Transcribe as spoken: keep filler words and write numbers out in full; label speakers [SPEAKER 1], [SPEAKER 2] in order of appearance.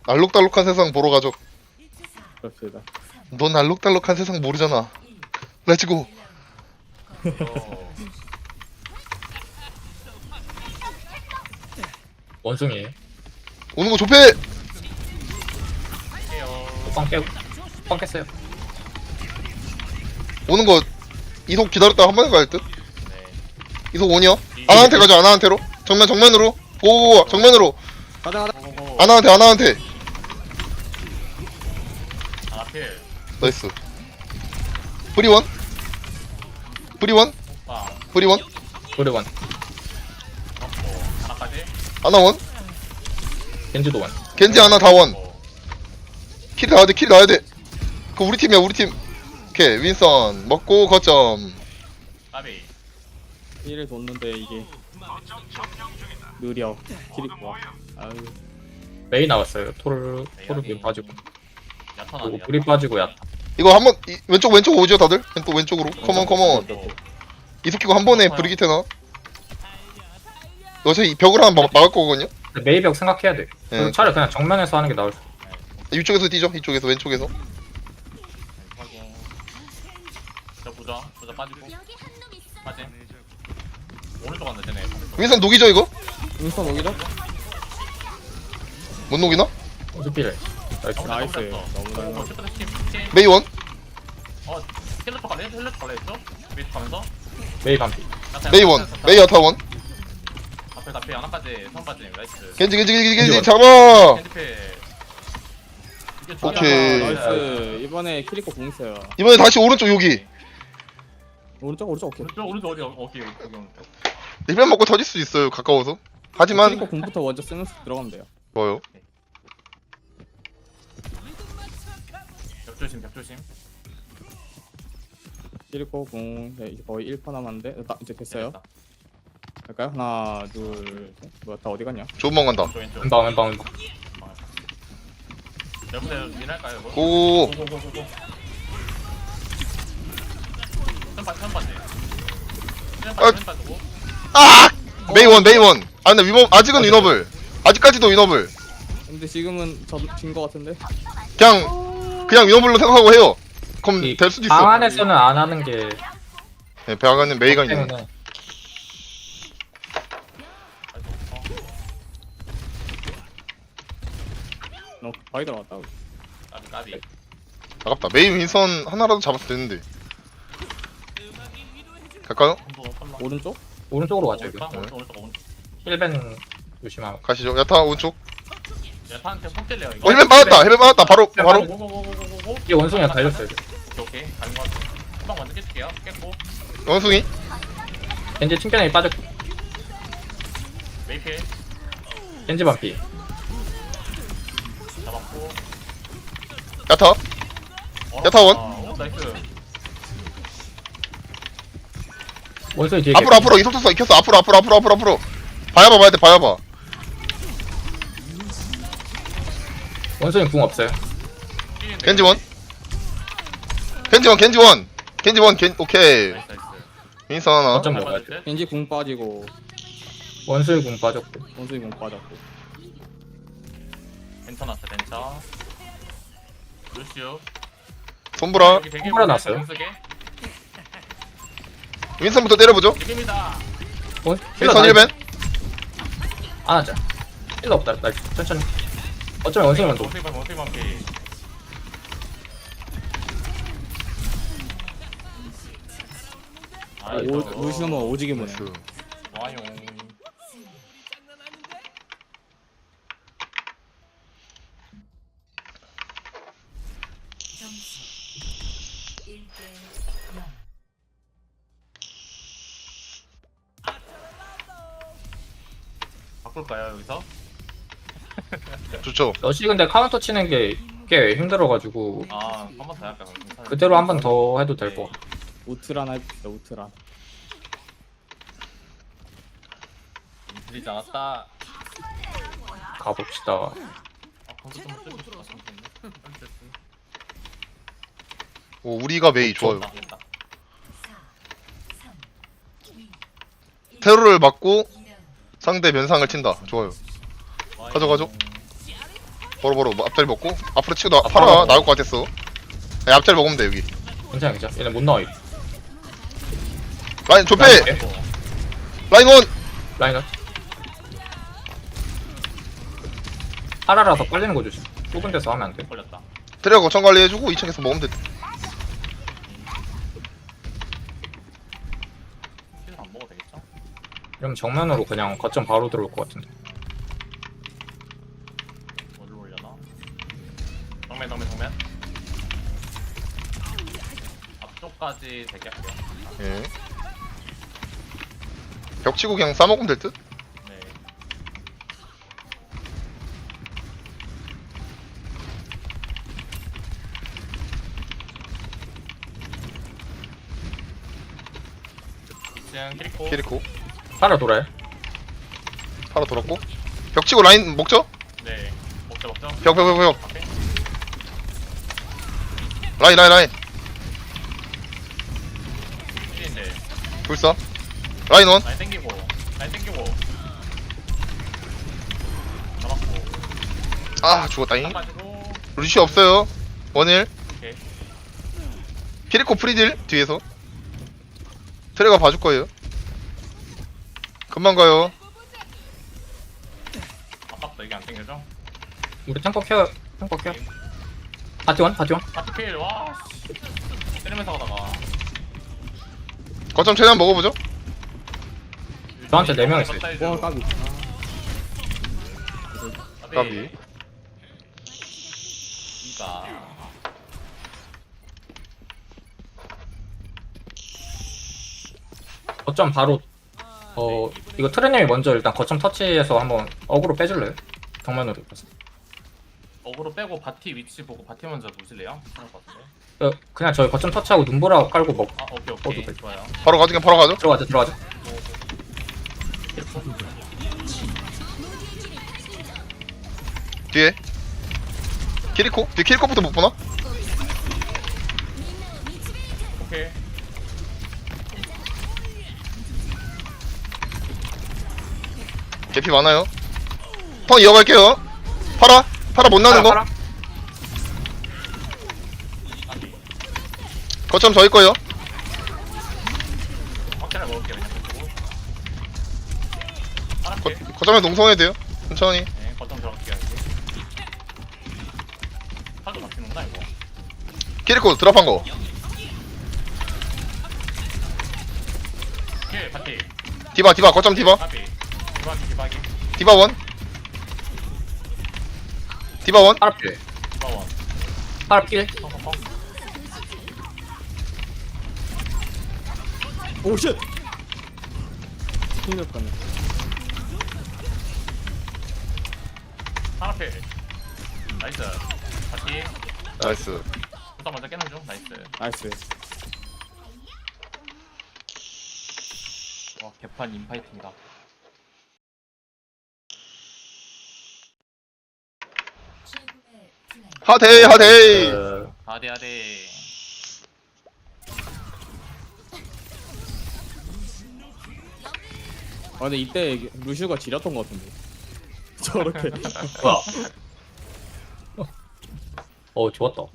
[SPEAKER 1] 알록달록한 세상 보러 가죠.
[SPEAKER 2] 그렇습니다.
[SPEAKER 1] 넌 알록달록한 세상 모르잖아. 렛츠고.
[SPEAKER 3] 원숭이에요.
[SPEAKER 1] 오는 거 좁혀.
[SPEAKER 3] 뻥 깨고 뻥 깼어요.
[SPEAKER 1] 오는 거 이속 기다렸다가 한 번에 갈 듯. 이속 오니요. 아나한테 가죠. 아나한테로. 정면 정면으로. 오 정면으로.
[SPEAKER 2] 가자 가자.
[SPEAKER 1] 아나한테 아나한테.
[SPEAKER 4] 아, 필.
[SPEAKER 1] 나이스. 프리원. 프리원.
[SPEAKER 4] 아,
[SPEAKER 1] 프리원.
[SPEAKER 3] 노래원
[SPEAKER 4] 잡고. 하나까지.
[SPEAKER 1] 아나원.
[SPEAKER 3] 겐지도 원.
[SPEAKER 1] 겐지 아나 다원. 킬 나야 돼. 킬 나야 돼. 그 우리 팀이야 우리 팀. 오케이 윈선 먹고 거점.
[SPEAKER 4] 까비.
[SPEAKER 2] 일을 뒀는데 이게 느려. 길이 와. 아유.
[SPEAKER 3] 메이 나왔어요. 토르 토르 빠지고
[SPEAKER 4] 야타나.
[SPEAKER 3] 그리고 불이 빠지고 야타.
[SPEAKER 1] 이거 한번 이- 왼쪽 왼쪽 오죠 다들? 또 왼쪽으로. 컴온 컴온. 이속 키고 한 번에 브리기테나. 어차피 이 벽을 하나 막, 막을 거거든요.
[SPEAKER 3] 근데 메이벽 생각해야 돼.
[SPEAKER 1] 네.
[SPEAKER 3] 그리고 차라리 그냥 정면에서 하는 게 나을 수.
[SPEAKER 1] 이쪽에서 뛰죠. 이쪽에서 왼쪽에서.
[SPEAKER 4] 하고. 저 보자. 보자 빠지고. 빠지. 오른쪽 간다 쟤네.
[SPEAKER 1] 윈선 녹이죠 이거?
[SPEAKER 2] 인스턴 오기죠?
[SPEAKER 1] 못 녹이나?
[SPEAKER 3] 스피를. 나이스.
[SPEAKER 2] 나이스. 너무
[SPEAKER 4] 어,
[SPEAKER 2] 잘.
[SPEAKER 4] 슈퍼 스팀. 스팀.
[SPEAKER 1] 메이원.
[SPEAKER 4] 어, 힐러 쪽 갈래? 힐러 쪽 갈래 했죠? 위에 가면서.
[SPEAKER 3] 메이 반피.
[SPEAKER 1] 메이원. 메이 야타원.
[SPEAKER 4] 앞에 앞에 하나까지 선 빠짐. 나이스.
[SPEAKER 1] 겐지 겐지 겐지 겐지
[SPEAKER 3] 겐지
[SPEAKER 1] 잡아.
[SPEAKER 4] 핸드필. 이게
[SPEAKER 1] 오케이.
[SPEAKER 2] 나이스. 이번에 키리코 공 있어요.
[SPEAKER 1] 이번에 다시 오른쪽 여기.
[SPEAKER 2] 오른쪽 오른쪽 오케이.
[SPEAKER 4] 오른쪽 오른쪽 어디 어디 여기 오른쪽.
[SPEAKER 1] 힐벤 먹고 터질 수 있어요 가까워서. 하지만
[SPEAKER 2] 키리코 공부터 먼저 쓰면서 들어가면 돼요.
[SPEAKER 1] 뭐요?
[SPEAKER 4] 벽 조심 벽 조심.
[SPEAKER 2] 키리코 공 네, 이제 거의 일 퍼 남았는데 나, 이제 됐어요.
[SPEAKER 4] 됐다.
[SPEAKER 2] 갈까요? 하나 둘 셋. 뭐야 다 어디 갔냐?
[SPEAKER 1] 좋은 방 간다.
[SPEAKER 4] 왼쪽 왼쪽.
[SPEAKER 3] 왼방 왼방 왼방.
[SPEAKER 4] 여러분들 민할까요 이거?
[SPEAKER 1] 고.
[SPEAKER 4] 고고고고고. 천바 천바지.
[SPEAKER 1] 아.
[SPEAKER 4] 천바 천바고.
[SPEAKER 1] 아! 메이원 메이원. 아 근데 위너 아직은 위너블. 아직까지도 위너블.
[SPEAKER 2] 근데 지금은 저진거 같은데.
[SPEAKER 1] 그냥 그냥 위너블로 생각하고 해요. 그럼
[SPEAKER 3] 이
[SPEAKER 1] 될 수도
[SPEAKER 3] 방
[SPEAKER 1] 있어.
[SPEAKER 3] 안에서는 안 하는 게
[SPEAKER 1] 네, 배아가는 메이가 있는.
[SPEAKER 3] 때문에
[SPEAKER 2] 너 바이 들어갔다.
[SPEAKER 4] 까비 까비.
[SPEAKER 1] 아깝다. 메이 윈선 하나라도 잡았을 텐데. 갈까요?
[SPEAKER 2] 오른쪽?
[SPEAKER 3] 오른쪽으로 가죠 이거.
[SPEAKER 4] 오른쪽 오른쪽 오른쪽.
[SPEAKER 3] 힐벤 조심하고.
[SPEAKER 1] 가시죠. 야타 오른쪽.
[SPEAKER 4] 야타한테 폭 찔래요
[SPEAKER 1] 어
[SPEAKER 4] 이거.
[SPEAKER 1] 힐벤 빠졌다. 힐벤 빠졌다. 바로 바로.
[SPEAKER 4] 고고고고고고고.
[SPEAKER 3] 이게 원숭이가 달렸어요. 이제.
[SPEAKER 4] 오케이 오케이 가는 거 같아. 한방 먼저 깰게요. 깼고.
[SPEAKER 1] 원숭이.
[SPEAKER 3] 겐지 튕겨내기 빠졌고.
[SPEAKER 4] 메이필
[SPEAKER 3] 겐지 반피.
[SPEAKER 4] 잡았고.
[SPEAKER 1] 야타.
[SPEAKER 4] 어,
[SPEAKER 1] 야타원.
[SPEAKER 4] 아, 오, 나이스.
[SPEAKER 3] 원숭이 뒤에.
[SPEAKER 1] 앞으로 앞으로 이속 탔어. 익혔어. 앞으로 앞으로 앞으로 앞으로 앞으로. 봐야봐 봐야 돼. 봐야봐.
[SPEAKER 3] 원숭이 궁 없어요.
[SPEAKER 1] 겐지원. 겐지원 겐지원. 겐지원 겐 오케이.
[SPEAKER 4] 나이스 나이스.
[SPEAKER 1] 윈선 하나.
[SPEAKER 3] 어쩜
[SPEAKER 4] 잘
[SPEAKER 3] 먹어야
[SPEAKER 4] 맞을 듯?
[SPEAKER 2] 겐지 궁 빠지고
[SPEAKER 3] 원숭이 궁 빠졌고.
[SPEAKER 2] 원숭이 궁 빠졌고.
[SPEAKER 4] 괜찮았어 괜찮. 루시오.
[SPEAKER 1] 손보라.
[SPEAKER 4] 여기 되게
[SPEAKER 3] 손보라 났어요?
[SPEAKER 4] 공격에.
[SPEAKER 1] 윈선부터 때려보죠.
[SPEAKER 4] 이깁니다.
[SPEAKER 3] 원
[SPEAKER 1] 윈선 힐벤.
[SPEAKER 3] 안 하자. 힐러 없다. 나 천천히. 어쩌면 원숭이 먼저.
[SPEAKER 4] 원숭이 반 원숭이 반피. 아,
[SPEAKER 2] 오, 루시노만 오지게 보네.
[SPEAKER 1] 나이스.
[SPEAKER 4] 와용. 바꿀까요 여기서?
[SPEAKER 1] 좋죠.
[SPEAKER 3] 러시 근데 카운터 치는 게 꽤 힘들어가지고
[SPEAKER 4] 아, 한 번 더 할까? 그럼?
[SPEAKER 3] 그대로 한 번 더 해도 될 거.
[SPEAKER 2] 우트란 해봅시다. 우트란.
[SPEAKER 4] 들리지 않았다.
[SPEAKER 3] 가봅시다.
[SPEAKER 4] 아, 거기서 좀 쓰고 싶었는데.
[SPEAKER 1] 오 우리가 메이 좋아요.
[SPEAKER 4] 됐다, 됐다.
[SPEAKER 1] 테러를 막고 상대 면상을 친다. 좋아요.
[SPEAKER 4] 와용.
[SPEAKER 1] 가져가죠. 바로 바로 뭐 앞자리 먹고 앞으로 치고 나
[SPEAKER 3] 아,
[SPEAKER 1] 팔아
[SPEAKER 3] 바로.
[SPEAKER 1] 나올 것 같았어. 야, 앞자리 먹으면 돼 여기.
[SPEAKER 3] 괜찮아 괜찮아. 얘네 못 나와 이거.
[SPEAKER 1] 라인 좁혀.
[SPEAKER 3] 라인
[SPEAKER 1] 라인 원.
[SPEAKER 3] 라인업. 파라라서 빨리는 거 조심. 좁은 데서 하면 안 돼.
[SPEAKER 4] 걸렸다.
[SPEAKER 1] 트레어 거점 관리해주고 이 층에서 먹으면 돼.
[SPEAKER 4] 힐 안 먹어도 되겠죠?
[SPEAKER 3] 이러면 정면으로 그냥 거점 바로 들어올 것 같은데.
[SPEAKER 4] 어디로 올려나? 정면 정면 정면. 앞쪽까지 대기할게요.
[SPEAKER 1] 예. 벽 치고 그냥 싸먹으면 될 듯?
[SPEAKER 4] 네. 지금 키리코.
[SPEAKER 1] 키리코.
[SPEAKER 3] 파라 돌아요.
[SPEAKER 1] 팔아 돌았고. 벽 치고 라인 먹죠?
[SPEAKER 4] 네. 먹자 먹자.
[SPEAKER 1] 벽, 벽, 벽, 벽.
[SPEAKER 4] 오케이.
[SPEAKER 1] 라인, 라인, 라인.
[SPEAKER 4] 힐인데.
[SPEAKER 1] 불사. 라인 원.
[SPEAKER 4] 라인 땡기고. 라인 땡기고. 잡았고.
[SPEAKER 1] 아, 죽었다잉.
[SPEAKER 4] 가지고.
[SPEAKER 1] 루시 없어요. 원일.
[SPEAKER 4] 오케이.
[SPEAKER 1] 키리코 프리딜 뒤에서. 트레가 봐줄 거예요. 금방 가요.
[SPEAKER 4] 아깝다 이게 안 땡겨져.
[SPEAKER 3] 우리 탱커 케어 탱커 케어. 바티원 바티원.
[SPEAKER 4] 하트필 와. 씨. 때리면서 가다가.
[SPEAKER 1] 거점 최대한 먹어보죠.
[SPEAKER 3] 저한테 네명 있어요.
[SPEAKER 2] 와 까비.
[SPEAKER 1] 까비.
[SPEAKER 4] 이가.
[SPEAKER 3] 거점 바로 어 이거 트레님이 먼저 일단 거점 터치해서 한번 어그로 빼줄래요? 정면으로 가서.
[SPEAKER 4] 어그로 빼고 바티 위치 보고 바티 먼저 보실래요? 그럴 것 같은데.
[SPEAKER 3] 어, 그냥 저희 거점 터치하고 눈보라 깔고 먹
[SPEAKER 4] 아 오케이
[SPEAKER 3] 어도
[SPEAKER 4] 오케이
[SPEAKER 3] 돼.
[SPEAKER 4] 좋아요.
[SPEAKER 1] 바로 가죠, 그냥 바로 가죠.
[SPEAKER 3] 들어가자 들어가자.
[SPEAKER 1] 뒤에. 키리코? 뒤에 키리코부터 못 보나?
[SPEAKER 4] 오케이.
[SPEAKER 1] 개피 많아요. 턴 이어갈게요. 팔아. 팔아 못 나는 거.
[SPEAKER 3] 파라, 파라.
[SPEAKER 1] 거점 저희 거예요.
[SPEAKER 4] 확실하게 먹을게요 그냥. 그리고.
[SPEAKER 1] 거,
[SPEAKER 4] 알았게.
[SPEAKER 1] 거점에 농성해야 돼요. 천천히.
[SPEAKER 4] 네 거점 들어갈게요 이제. 팔도 막히는구나 이거.
[SPEAKER 1] 키리코 드랍한 거.
[SPEAKER 4] 오케이 바티.
[SPEAKER 1] 디바, 디바, 거점 디바.
[SPEAKER 4] 바티. 기바기 기바기.
[SPEAKER 1] 디바 원. 디바 원.
[SPEAKER 3] 파라 필.
[SPEAKER 4] 기바원.
[SPEAKER 3] 파라 필.
[SPEAKER 4] 펑펑펑.
[SPEAKER 2] 오 쉣. 힘들었네.
[SPEAKER 4] 하나필. 나이스. 바티.
[SPEAKER 1] 나이스.
[SPEAKER 4] 부터 먼저 깨는 중. 나이스.
[SPEAKER 2] 나이스.
[SPEAKER 4] 와 개판 인파이팅이다.
[SPEAKER 1] 하데이, 하데이.
[SPEAKER 3] 어,
[SPEAKER 4] 아대 아대.
[SPEAKER 2] 아 근데 이때 루시우가 지렸던 것 같은데. 저렇게.
[SPEAKER 3] 뭐야? 어 좋았다.